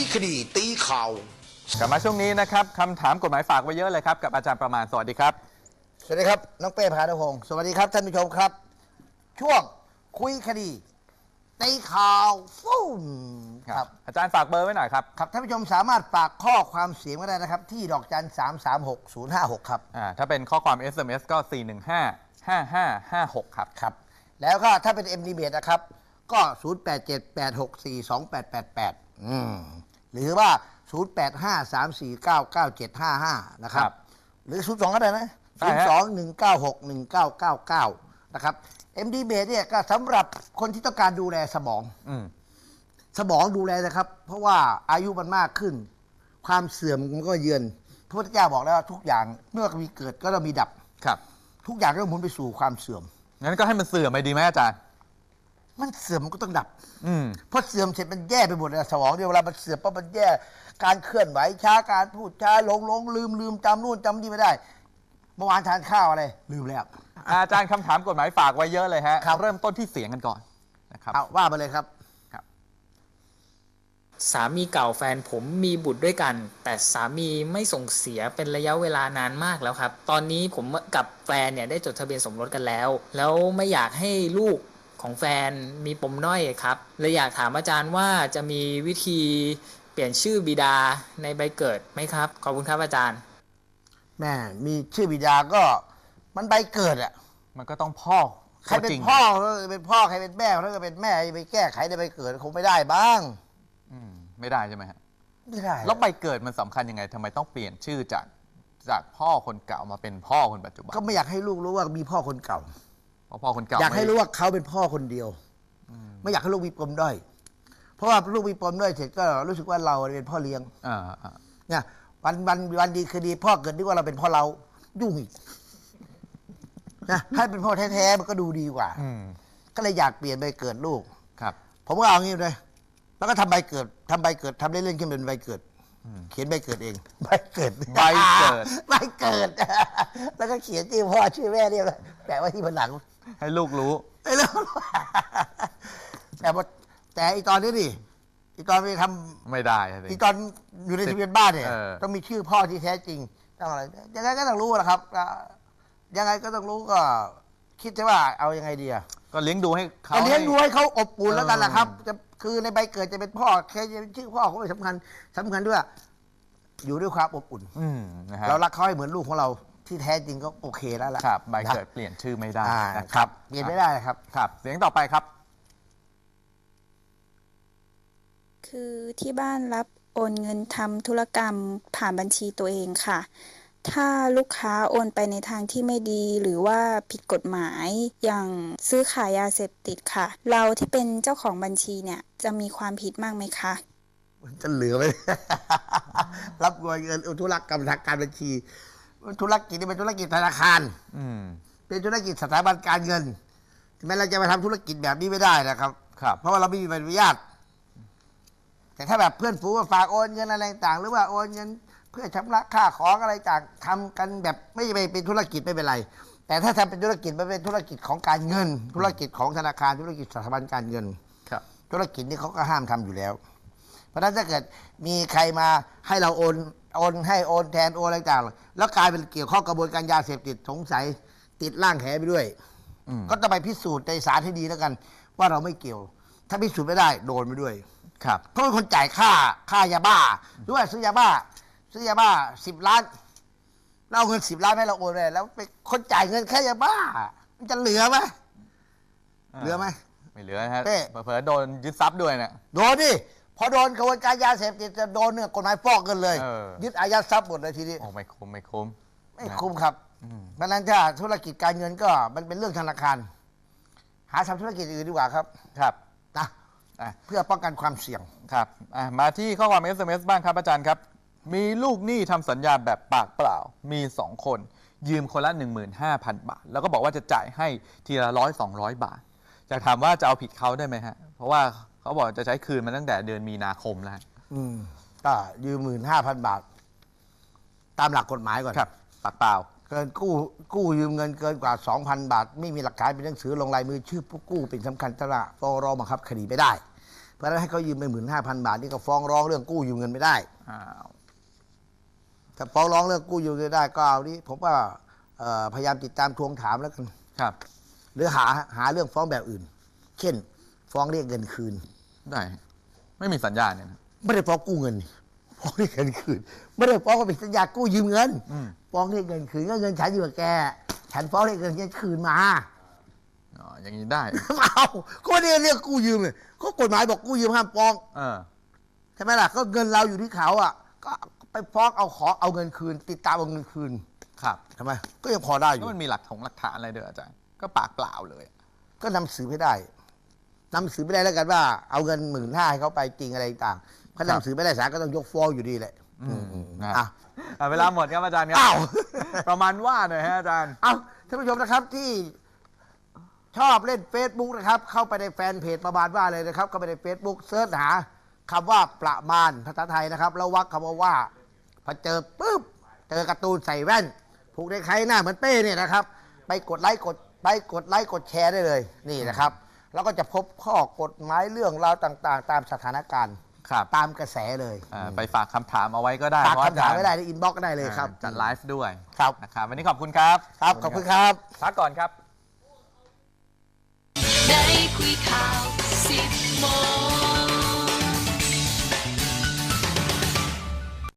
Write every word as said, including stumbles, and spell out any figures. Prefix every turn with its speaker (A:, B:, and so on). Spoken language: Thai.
A: คดีตีข่าว
B: กลับมาช่วงนี้นะครับคำถามกฎหมายฝากไว้เยอะเลยครับกับอาจารย์ประมาณสวัสดีครับ
C: สวัสดีครับน้องเป้พานุพงศ์สวัสดีครับท่านผู้ชมครับ ช่วงคุยคดีตีข่าวฟุ้ม
B: ครับอาจารย์ฝากเบอร์ไว้หน่อยครับ
C: ครับท่านผู้ชมสามารถฝากข้อความเสียงก็ได้นะครับที่ดอกจันสามสามหกศูนย์ห้าหกครับ
B: อ่าถ้าเป็นข้อความ เอส เอ็ม เอส ก็สี่หนึ่งห้า ห้าห้าห้าหกครับ
C: ครับแล้วก็ถ้าเป็น เอ็ม ดี บี นะครับก็ศูนย์ แปด เจ็ด แปด หก สี่ สอง แปด แปด แปดอืมหรือว่าศูนย์ แปด ห้า สาม สี่ เก้า เก้า เจ็ด ห้า ห้านะครับหรือศูนย์ สองก็ได้นะศูนย์ สอง หนึ่ง เก้า หก หนึ่ง เก้า เก้า เก้านะครับ เอ็ม ดี บี เนี่ยก็สำหรับคนที่ต้องการดูแลสมอง
B: อืม
C: สมองดูแลนะครับเพราะว่าอายุมันมากขึ้นความเสื่อมมันก็เยือนพระพุทธเจ้าบอกแล้วว่าทุกอย่างเมื่อมีเกิดก็ต้องมีดับ
B: ครับ
C: ทุกอย่างก็หมุนไปสู่ความเสื่อม
B: งั้นก็ให้มันเสื่อมไปดีไหมอาจารย์
C: มันเสื่อมมันก็ต้องดับ
B: อืม
C: พอเสื่อมเสร็จมันแย่ไปหมดเลยสมองเนี่ยเวลามันเสื่อมเพราะมันแย่การเคลื่อนไหวช้าการพูดช้าหลงหลงลืมลืมจำนู่นจำนี่ไม่ได้เมื่อวานทานข้าวอะไรลืมแล้ว
B: อาจารย์คำถามกฎหมายฝากไว้เยอะเลยฮะเริ่มต้นที่เสียงกันก่อนนะครับ
C: เอาว่ามาเลยครับ
D: สามีเก่าแฟนผมมีบุตรด้วยกันแต่สามีไม่ส่งเสียเป็นระยะเวลานานมากแล้วครับตอนนี้ผมกับแฟนเนี่ยได้จดทะเบียนสมรสกันแล้วแล้วไม่อยากให้ลูกของแฟนมีปมด้อยครับเลยอยากถามอาจารย์ว่าจะมีวิธีเปลี่ยนชื่อบิดาในใบเกิดไหมครับขอบคุณครับอาจารย์
C: แม่มีชื่อบิดาก็มันใบเกิดอ่ะ
B: มันก็ต้องพ่อ
C: ใครเป็นพ่อเป็นพ่อใครเป็นแม่ถ้าเกิดเป็นแม่ไปแก้ไขในใบเกิดคงไม่ได้บ้าง
B: อืมไม่ได้ใช่ไหมฮะ
C: ไม่ได้
B: แล้วใบเกิดมันสำคัญยังไงทำไมต้องเปลี่ยนชื่อจากจากพ่อคนเก่ามาเป็นพ่อคนปัจจุบัน
C: ก็ไม่อยากให้ลูกรู้ว่ามีพ่อคนเก่า
B: เพราะพ่อคนเก่า
C: อยากให้รู้ว่าเขาเป็นพ่อคนเดียวไม่อยากให้ลูกมีปมด้อยเพราะว่าลูกมีปมด้อยเสร็จก็รู้สึกว่าเราเป็นพ่อเลี้ยง
B: อ่า
C: เนี่ยวันวันวันดีคือดีพ่อเกิดนึกว่าเราเป็นพ่อเรายุ่งอีกนะให้เป็นพ่อแท้ๆมันก็ดูดีกว่าก็เลยอยากเปลี่ยนใบเกิดลูก
B: ครับ
C: ผมก็เอางี้เลยแล้วก็ทำใบเกิดทำใบเกิดทำเล่นๆขึ้นเป็นใบเกิดเขียนใบเกิดเองใบเกิด
B: ใบเกิด
C: ใบเกิดแล้วก็เขียนชื่อพ่อชื่อแม่เรียบร้อยแปะไว้ที่ผนัง
B: ให้ลูกรู้
C: ให้ลูกแต่ว่าแต่อีตอนนี้ดิอีตอนไปทำ
B: ไม่ได้
C: อีตอนอยู่ในทะเบียนบ้านเนี่ยต้องมีชื่อพ่อที่แท้จริงต้องอะไรยังไงก็ต้องรู้แหละครับยังไงก็ต้องรู้ก็คิดว่าเอายังไงดีอะ
B: ก็เลี้ยงดูให้เขา
C: เลี้ยงดูให้เขาอบอุ่นแล้วกันแหละครับจะคือในใบเกิดจะเป็นพ่อแค่จะเป็นชื่อพ่อเขาไม่สำคัญสำคัญด้วยอยู่ด้วยความอบอุ่นเรารักเขาให้เหมือนลูกของเราที่แท้จริงก็โอเคแล้วล่ะ
B: ครับใบเกิดเปลี่ยนชื่อไม่ได้
C: ครับเปลี่ยนไม่ได้ครับ
B: ครับเสียงต่อไปครับ
E: คือที่บ้านรับโอนเงินทำธุรกรรมผ่านบัญชีตัวเองค่ะถ้าลูกค้าโอนไปในทางที่ไม่ดีหรือว่าผิดกฎหมายอย่างซื้อขายยาเสพติดค่ะเราที่เป็นเจ้าของบัญชีเนี่ยจะมีความผิดมากไหมคะ
C: จะเหลือไหม รับเงินธุรกรรมทางการบัญชีธุรกิจนี่เป็นธุรกิจธนาคารเป็นธุรกิจสถาบันการเงินแม้เราจะมาทำธุรกิจแบบนี้ไม่ได้นะครับ
B: ครับ
C: เพราะว่าเราไม่มีใบอนุญาตแต่ถ้าแบบเพื่อนฝูงฝากโอนเงินอะไรต่างหรือว่าโอนเงินเพื่อชำระค่าของอะไรต่างทำกันแบบไม่ไปเป็นธุรกิจไม่เป็นไรแต่ถ้าทำเป็นธุรกิจมันเป็นธุรกิจของการเงินธุรกิจของธนาคารธุรกิจสถาบันการเงิน
B: ครับ
C: ธุรกิจนี้เขาก็ห้ามทำอยู่แล้วเพราะฉะนั้นถ้าเกิดมีใครมาให้เราโอนโอนให้โอนแทนโอนอะไรต่างแล้วกลายเป็นเกี่ยวข้องกระบวนการยาเสพติดสงสัยติดร่างแหไปด้วยก็ต้องไปพิสูจน์ในศาลให้ดีแล้วกันว่าเราไม่เกี่ยวถ้าพิสูจน์ไม่ได้โดนไปด้วย
B: ครับ
C: เพราะเป็นคนจ่ายค่าค่ายาบ้าด้วยซื้อยาบ้าซื้อยาบ้าสิบล้านเราเอาเงินสิบล้านให้เราโอนเลยแล้วไปคนจ่ายเงินแค่ยาบ้ามันจะเหลือไหมเหลือไหม
B: ไม่เหลือฮะเผลอโดนยึดทรัพย์ด้วยเนี่ย
C: โดนดิพอโดนกระบวนการยาเสพติดจะโดนเนี่ยกฎหมายฟอกเงินเลยยึดอายัดทรัพย์หมดเลยทีนี้
B: โอ้ไม่คุ้มไม่คุ้ม
C: ไม่คุ้มครับเพราะนั้นถ้าธุรกิจการเงินก็มันเป็นเรื่องธนาคารหาทำธุรกิจอื่นดีกว่าครับ
B: ครับ
C: นะเพื่อป้องกันความเสี่ยง
B: ครับมาที่ข้อความ เอส เอ็ม เอส บ้างครับอาจารย์ครับมีลูกหนี้ทำสัญญาแบบปากเปล่ามีสองคนยืมคนละ หนึ่งหมื่นห้าพัน บาทแล้วก็บอกว่าจะจ่ายให้ทีละร้อยสองร้อยบาทจะถามว่าจะเอาผิดเขาได้ไหมฮะเพราะว่าเขาบอกจะใช้คืนมาตั้งแต่เดือนมีนาคมแล้ว
C: อืมก็ยืมหมื่นห้าพันบาทตามหลักกฎหมายก่อน
B: ครับปากเปล่า
C: เกินกู้กู้ยืมเงินเกินกว่า สองพัน บาทไม่มีหลักฐานเป็นหนังสือลงลายมือชื่อผู้กู้เป็นสำคัญตระฟ้องร้องบังคับคดีไม่ได้เพราะฉะนั้นให้เขายืมไปหมื่นห้าพันบาทนี่ก็ฟ้องร้องเรื่องกู้ยืมเงินไม่ได้
B: อ้าว
C: ถ้าฟ้องร้องเรื่องกู้ยืมเงินได้ก็เอานี้ผมว่าเอ่อพยายามติดตามทวงถามแล้วกัน
B: ครับ
C: หรือหาหาเรื่องฟ้องแบบอื่น เช่น ฟ้องเรียกเงินคืน
B: ได้ไม่มีสัญญาเนี่ยนะ
C: ไม่ได้ฟ้องกู้เงินนี่ฟ้องเรียกเงินคืน ไม่ได้ฟ้องว่าเป็นสัญญากู้ยืมเงิน
B: อืม
C: ฟ้องเรียกเงินคืนก็เงินฉันอยู่กับแก ฉันฟ้องเรียกเงินฉันคืนมา
B: อ๋ออย่างนี้ได้
C: เอาก็ไม่ได้เรียกกู้ยืมเลยก็กฎหมายบอกกู้ยืมห้ามฟ้อง
B: เออ
C: ใช่ไหมล่ะก็เงินเราอยู่ที่เขาอ่ะก็ไปฟ้องเอาขอเอาเงินคืน ติดตามเอาเงินคืน
B: ครับ
C: ทำไมก็ยังพอได้อ
B: แล้
C: ยู่
B: วมันมีหลักฐงหลักฐานอะไรเด้ออาจารย์ก็ปากเปล่าเลย
C: ก็นำสืบให้ได้นำสืบไม่ได้แล้วกันว่าเอาเงินหมื่นห้าให้เขาไปจริงอะไรต่างๆถ้านำสืบไม่ได้ศาลก็ต้องยกฟ้องอยู่ดีแหละ
B: อืม
C: อืม
B: นะ
C: อ่ะ
B: อ่ะเวลาหมดครับอาจารย์ครั
C: อ้าว
B: ประมาณว่าหน่อยฮะอาจารย์
C: เอาท่านผู้ชมนะครับที่ชอบเล่น Facebook นะครับ เข้าไปในแฟนเพจประมาณว่าเลยนะครับ เข้าไปใน Facebook เสิร์ชหาคำว่าประมาณภาษาไทยนะครับ แล้ววักคำว่าว่าพอเจอปุ๊บเจอการ์ตูนใส่แว่น ผูกในใครหน้าเหมือนเป้เนี่ยนะครับ ไปกดไลค์กดไปกดไลค์กดแชร์ได้เลยนี่นะครับ แล้วก็จะพบข้อกฎหมายเรื่องราวต่างๆ ตามสถานการณ์
B: ครับ
C: ตามกระแสเลย
B: อ่าไปฝากคำถามเอาไว้ก็ได้
C: ฝาก
B: เพระ
C: คำถาม
B: อจรย์
C: ไม่ได้ในอินบ็อกซ์ก็ได้เลยครับ
B: อ่าจัดไลฟ์ด้วย
C: ครับ
B: นะครับวันนี้ขอบคุณครับ
C: ครับขอบคุณครับ
B: พักก่อนครับ
A: ได้คุยข่าวสิบโมง